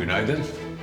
Günaydın.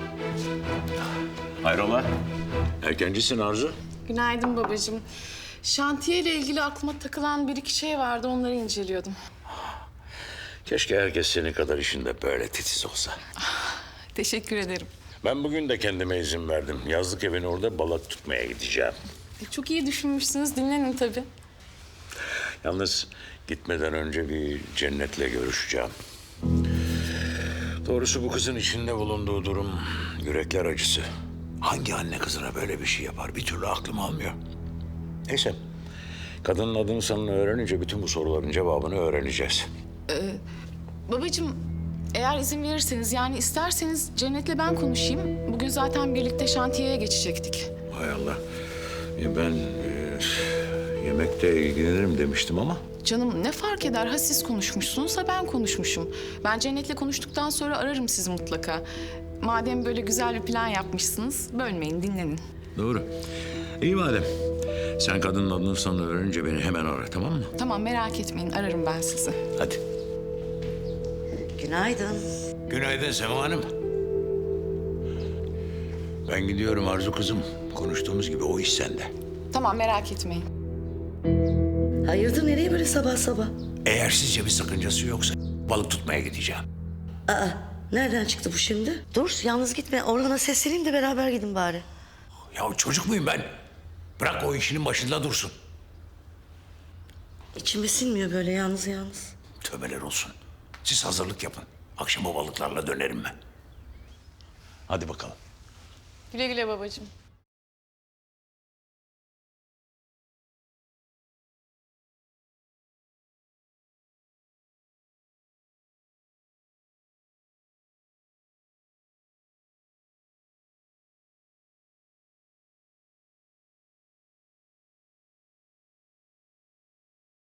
Hayrola? Erkencisin Arzu. Günaydın babacığım. Şantiye ile ilgili aklıma takılan bir iki şey vardı, onları inceliyordum. Keşke herkes senin kadar işinde böyle titiz olsa. Teşekkür ederim. Ben bugün de kendime izin verdim. Yazlık evin orada balık tutmaya gideceğim. Çok iyi düşünmüşsünüz, dinlenin tabii. Yalnız gitmeden önce bir Cennet'le görüşeceğim. Doğrusu bu kızın içinde bulunduğu durum yürekler acısı. Hangi anne kızına böyle bir şey yapar? Bir türlü aklım almıyor. Neyse. Kadının adını sanını öğrenince bütün bu soruların cevabını öğreneceğiz. Babacığım, eğer izin verirseniz, yani isterseniz Cennet'le ben konuşayım. Bugün zaten birlikte şantiyeye geçecektik. Hay Allah. Ben yemekte ilgilenirim demiştim ama. Canım ne fark eder? Ha siz konuşmuşsunuz, ha ben konuşmuşum. Ben Cennet'le konuştuktan sonra ararım sizi mutlaka. Madem böyle güzel bir plan yapmışsınız, bölmeyin, dinlenin. Doğru. İyi madem. Sen kadının adını sanını öğrenince beni hemen ara, tamam mı? Tamam, merak etmeyin, ararım ben sizi. Hadi. Günaydın. Günaydın Sema Hanım. Ben gidiyorum Arzu kızım. Konuştuğumuz gibi o iş sende. Tamam, merak etmeyin. Hayırdır nereye böyle sabah sabah? Eğer sizce bir sakıncası yoksa balık tutmaya gideceğim. Aa, nereden çıktı bu şimdi? Dur yalnız gitme. Orhan'a sesleneyim de beraber gidin bari. Ya çocuk muyum ben? Bırak o işinin başında dursun. İçime sinmiyor böyle yalnız yalnız. Tövbeler olsun. Siz hazırlık yapın. Akşam o balıklarla dönerim ben. Hadi bakalım. Güle güle babacığım.